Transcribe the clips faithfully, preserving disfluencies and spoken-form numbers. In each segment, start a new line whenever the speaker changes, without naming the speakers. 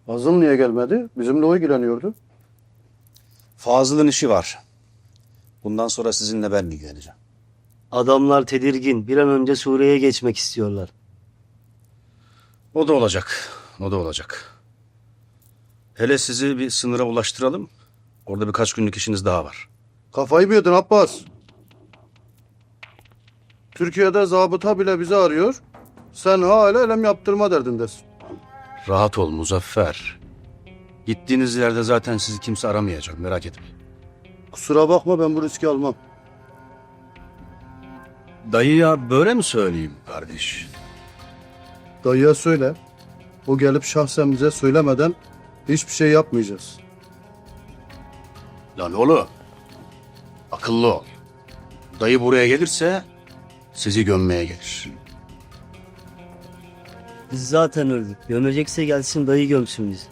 Fazıl niye gelmedi? Bizimle o ilgileniyordu.
Fazıl'ın işi var. Bundan sonra sizinle ben ilgileneceğim.
Adamlar tedirgin. Bir an önce Suriye'ye geçmek istiyorlar.
O da olacak. O da olacak. Hele sizi bir sınıra ulaştıralım. Orada birkaç günlük işiniz daha var.
Kafayı mı yedin Abbas? Türkiye'de zabıta bile bizi arıyor. Sen hala elem yaptırma derdindesin.
Rahat ol Muzaffer. Gittiğiniz yerde zaten sizi kimse aramayacak. Merak etmeyin.
Kusura bakma, ben bu riski almam.
Dayıya böyle mi söyleyeyim kardeş?
Dayıya söyle. O gelip şahsen bize söylemeden hiçbir şey yapmayacağız.
Lan oğlum. Akıllı ol. Dayı buraya gelirse sizi gömmeye gelir.
Biz zaten öldük. Gömecekse gelsin dayı gömsün bizi.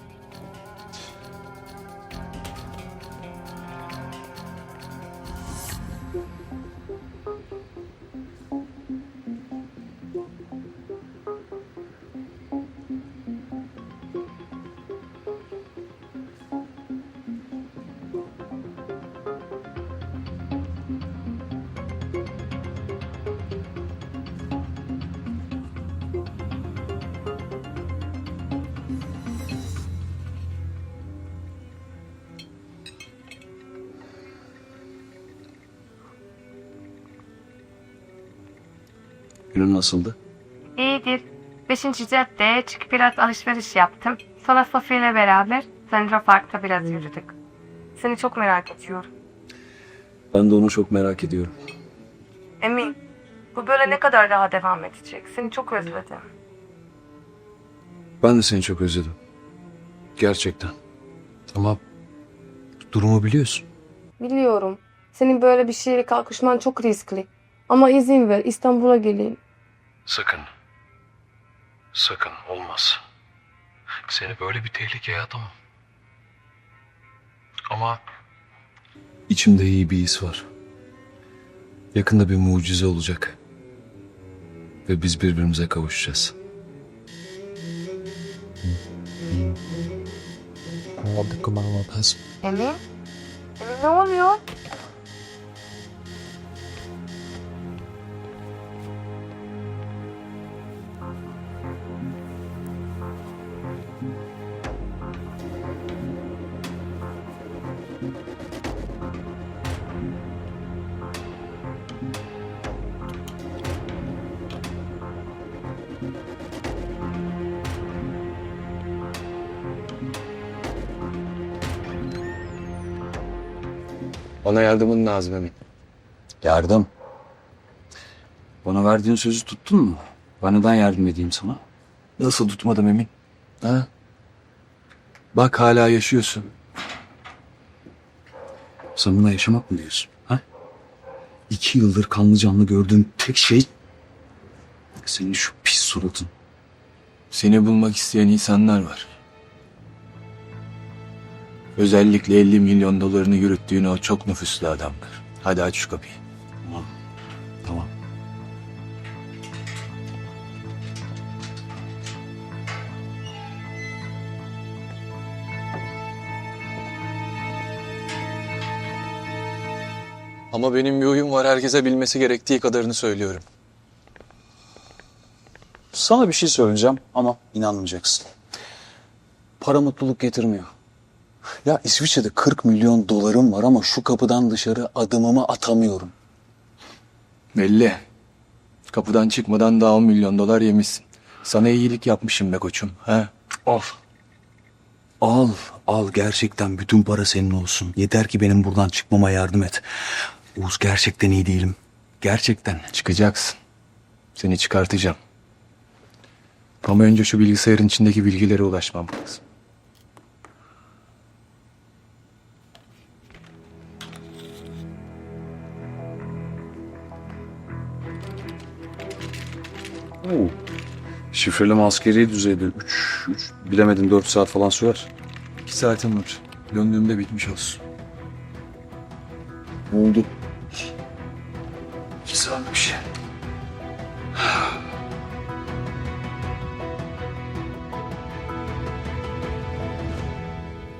Günün nasıldı?
İyidir. Beşinci caddeye çıkıp biraz alışveriş yaptım. Sonra Sofya ile beraber Central Park'ta biraz yürüdük. Seni çok merak ediyorum.
Ben de onu çok merak ediyorum.
Emin, bu böyle ne kadar daha devam edecek? Seni çok özledim.
Ben de seni çok özledim. Gerçekten. Ama durumu biliyorsun.
Biliyorum. Senin böyle bir şeye kalkışman çok riskli. Ama izin ver, İstanbul'a geleyim.
Sakın. Sakın olmaz. Seni böyle bir tehlikeye atamam. Ama içimde iyi bir his var. Yakında bir mucize olacak. Ve biz birbirimize kavuşacağız.
Emin? Emin ne oluyor?
Bana yardımın lazım Emin.
Yardım. Bana verdiğin sözü tuttun mu? Ben neden yardım edeyim sana?
Nasıl tutmadım Emin? Ha? Bak hala yaşıyorsun.
Sen buna yaşamak mı diyorsun? Ha? İki yıldır kanlı canlı gördüğüm tek şey senin şu pis suratın.
Seni bulmak isteyen insanlar var. Özellikle elli milyon dolarını yürüttüğün o çok nüfuslu adamlar. Hadi aç şu kapıyı.
Tamam. Tamam.
Ama benim bir huyum var, herkese bilmesi gerektiği kadarını söylüyorum.
Sana bir şey söyleyeceğim ama inanmayacaksın. Para mutluluk getirmiyor. Ya İsviçre'de kırk milyon dolarım var ama şu kapıdan dışarı adımımı atamıyorum.
Belli. Kapıdan çıkmadan daha on milyon dolar yemişsin. Sana iyilik yapmışım be koçum. Ha?
Al. Al, al gerçekten bütün para senin olsun. Yeter ki benim buradan çıkmama yardım et. Oğuz gerçekten iyi değilim. Gerçekten.
Çıkacaksın. Seni çıkartacağım. Ama önce şu bilgisayarın içindeki bilgilere ulaşmam lazım.
Oo. Şifreleme askeri düzeyde. Üç, üç, bilemedim dört saat falan sürer.
İki saatim var. Döndüğümde bitmiş olsun.
Oldu. İki saatmiş.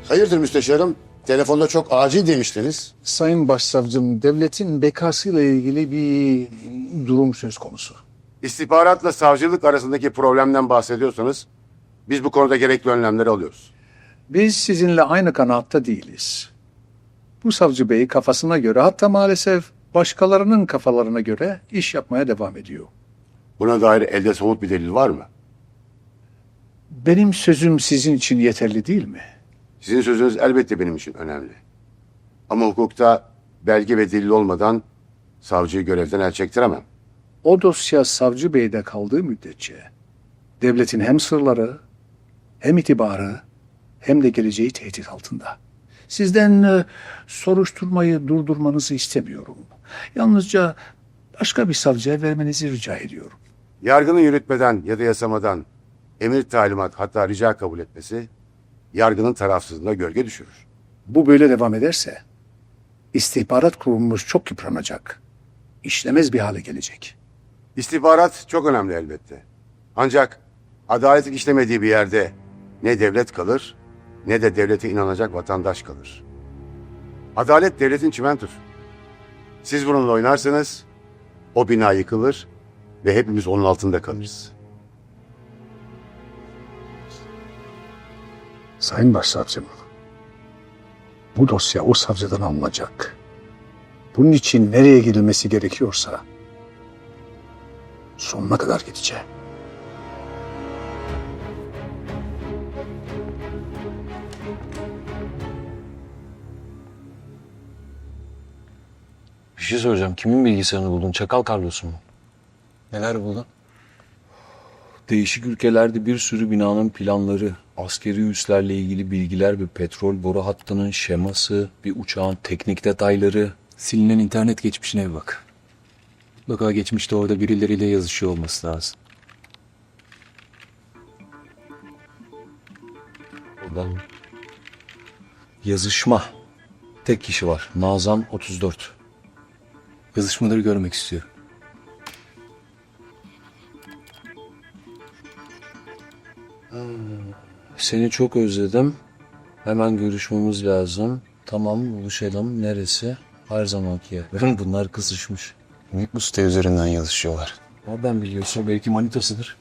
Hayırdır müsteşarım? Telefonda çok acil demiştiniz.
Sayın Başsavcım, devletin bekasıyla ilgili bir durum söz konusu.
İstihbaratla savcılık arasındaki problemden bahsediyorsanız biz bu konuda gerekli önlemleri alıyoruz.
Biz sizinle aynı kanaatta değiliz. Bu savcı bey kafasına göre, hatta maalesef başkalarının kafalarına göre iş yapmaya devam ediyor.
Buna dair elde somut bir delil var mı?
Benim sözüm sizin için yeterli değil mi?
Sizin sözünüz elbette benim için önemli. Ama hukukta belge ve delil olmadan savcıyı görevden el çektiremem.
O dosya savcı beyde kaldığı müddetçe devletin hem sırları, hem itibarı, hem de geleceği tehdit altında. Sizden e, soruşturmayı durdurmanızı istemiyorum. Yalnızca başka bir savcıya vermenizi rica ediyorum.
Yargının yürütmeden ya da yasamadan emir, talimat, hatta rica kabul etmesi yargının tarafsızlığına gölge düşürür.
Bu böyle devam ederse istihbarat kurumumuz çok yıpranacak. İşlemez bir hale gelecek.
İstihbarat çok önemli elbette. Ancak adaletin işlemediği bir yerde ne devlet kalır ne de devlete inanacak vatandaş kalır. Adalet devletin çimentosu. Siz bununla oynarsanız o bina yıkılır ve hepimiz onun altında kalırız.
Sayın Başsavcım, bu dosya o savcıdan alınacak. Bunun için nereye gidilmesi gerekiyorsa sonuna kadar gideceğim.
Bir şey soracağım. Kimin bilgisayarını buldun? Çakal Carlos'un mu?
Neler buldun?
Değişik ülkelerde bir sürü binanın planları, askeri üslerle ilgili bilgiler, bir petrol boru hattının şeması, bir uçağın teknik detayları.
Silinen internet geçmişine bir bak. Mutlaka geçmişte orada birileriyle yazışıyor olması lazım.
Oradan yazışma. Tek kişi var. Nazan otuz dört.
Yazışmaları görmek istiyorum.
Seni çok özledim. Hemen görüşmemiz lazım. Tamam, buluşalım. Neresi? Her zamanki yer. Bunlar kızışmış.
Bu site üzerinden yazışıyorlar.
Nereden biliyorsun? Belki manitasıdır.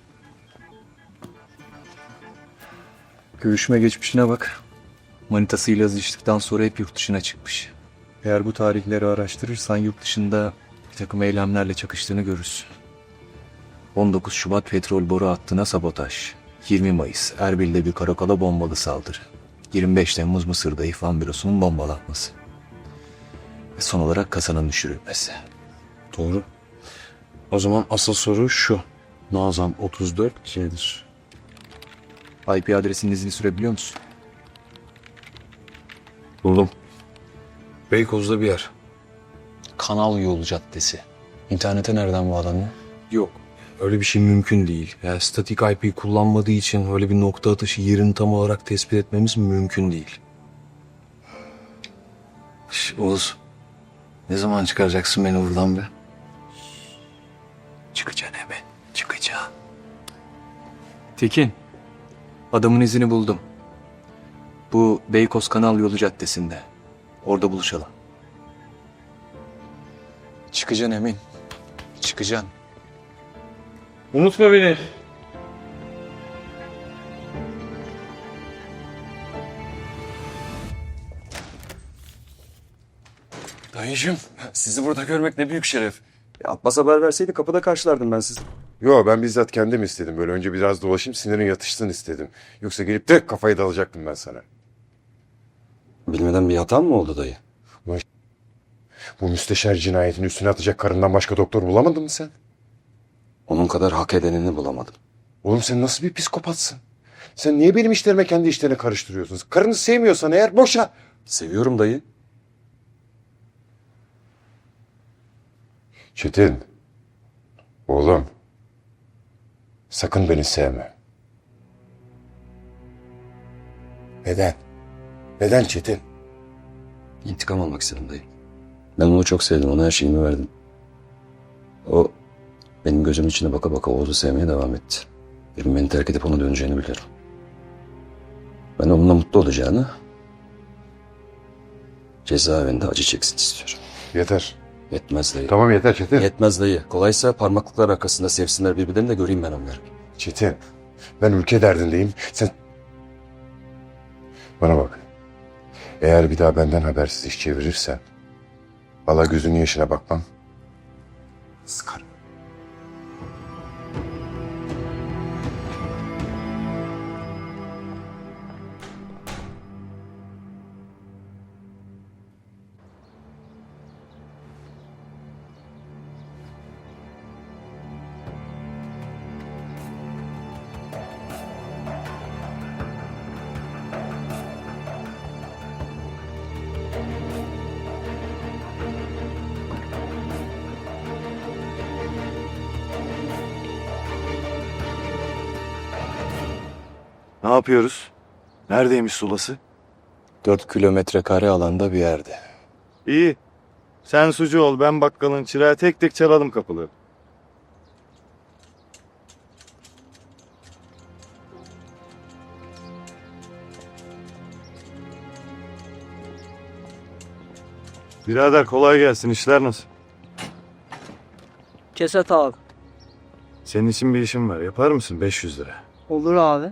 Görüşme geçmişine bak. Manitasıyla yazıştıktan sonra hep yurt dışına çıkmış. Eğer bu tarihleri araştırırsan yurt dışında bir takım eylemlerle çakıştığını görürsün. on dokuz Şubat petrol boru hattına sabotaj. yirmi Mayıs Erbil'de bir karakola bombalı saldırı. yirmi beş Temmuz Mısır'da İhvan Bürosu'nun bombalanması. Ve son olarak kasanın düşürülmesi.
Doğru. O zaman asıl soru şu. Nazan otuz dört kimdir?
I P adresinin izini sürebiliyor musun?
Buldum. Beykoz'da bir yer.
Kanal Yolu Caddesi. İnternete nereden bağlanıyor?
Yok. Öyle bir şey mümkün değil. Yani statik I P kullanmadığı için öyle bir nokta atışı yerini tam olarak tespit etmemiz mümkün değil. Şş, Oğuz. Ne zaman çıkaracaksın beni buradan be?
Çıkacaksın hemen. Çıkacaksın. Tekin. Adamın izini buldum. Bu Beykoz Kanal Yolu Caddesi'nde. Orada buluşalım. Çıkacaksın Emin. Çıkacaksın.
Unutma beni.
Dayıcığım, sizi burada görmek ne büyük şeref. Ya Abbas haber verseydi kapıda karşılardım ben sizi.
Yo, ben bizzat kendim istedim. Böyle önce biraz dolaşayım, sinirin yatışsın istedim. Yoksa gelip de kafayı dalacaktım ben sana.
Bilmeden bir hatan mı oldu dayı?
Bu müsteşar cinayetin üstüne atacak karından başka doktor bulamadın mı sen?
Onun kadar hak edenini bulamadım.
Oğlum sen nasıl bir psikopatsın? Sen niye benim işlerime kendi işlerine karıştırıyorsun? Karını sevmiyorsan eğer boşa.
Seviyorum dayı.
Çetin. Oğlum. Sakın beni sevme. Neden? Neden Çetin?
İntikam almak istedim dayı. Ben onu çok sevdim, ona her şeyimi verdim. O benim gözümün içine baka baka Oğuz'u sevmeye devam etti. Benim beni terk edip ona döneceğini biliyorum. Ben onunla mutlu olacağını, cezaevinde acı çeksin istiyorum.
Yeter.
Yetmez dayı.
Tamam yeter Çetin.
Yetmez dayı. Kolaysa parmaklıklar arkasında sevsinler birbirlerini de göreyim ben onları.
Çetin. Ben ülke derdindeyim. Sen... Bana bak. Eğer bir daha benden habersiz iş çevirirsen... Valla gözünün yaşına bakmam. Sıkarım.
Ne yapıyoruz? Neredeymiş sulası?
Dört kilometre kare alanda bir yerde.
İyi. Sen sucu ol, ben bakkalın çırağı, tek tek çalalım kapıları. Birader kolay gelsin, işler nasıl?
Keset abi.
Senin için bir işim var, yapar mısın? beş yüz lira.
Olur abi.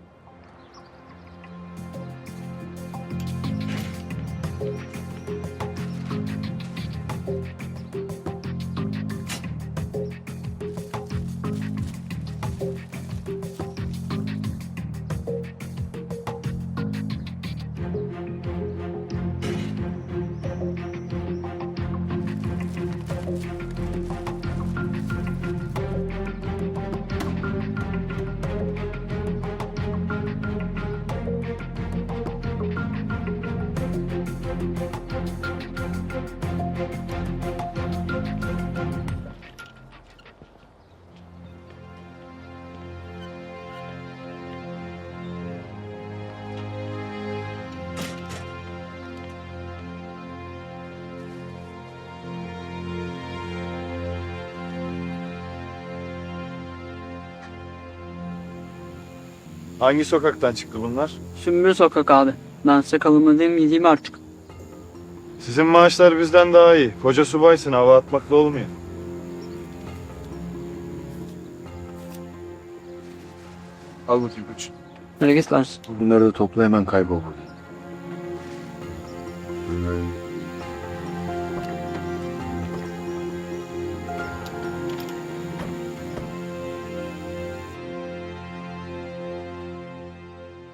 Hangi sokaktan çıktı bunlar?
Sümbül sokak abi. Ben size kalımı demeyeyim artık.
Sizin maaşlar bizden daha iyi. Koca subaysın, hava atmakla olmuyor.
Al bakayım koç.
Nereye git lan?
Bunları da topla hemen kaybol.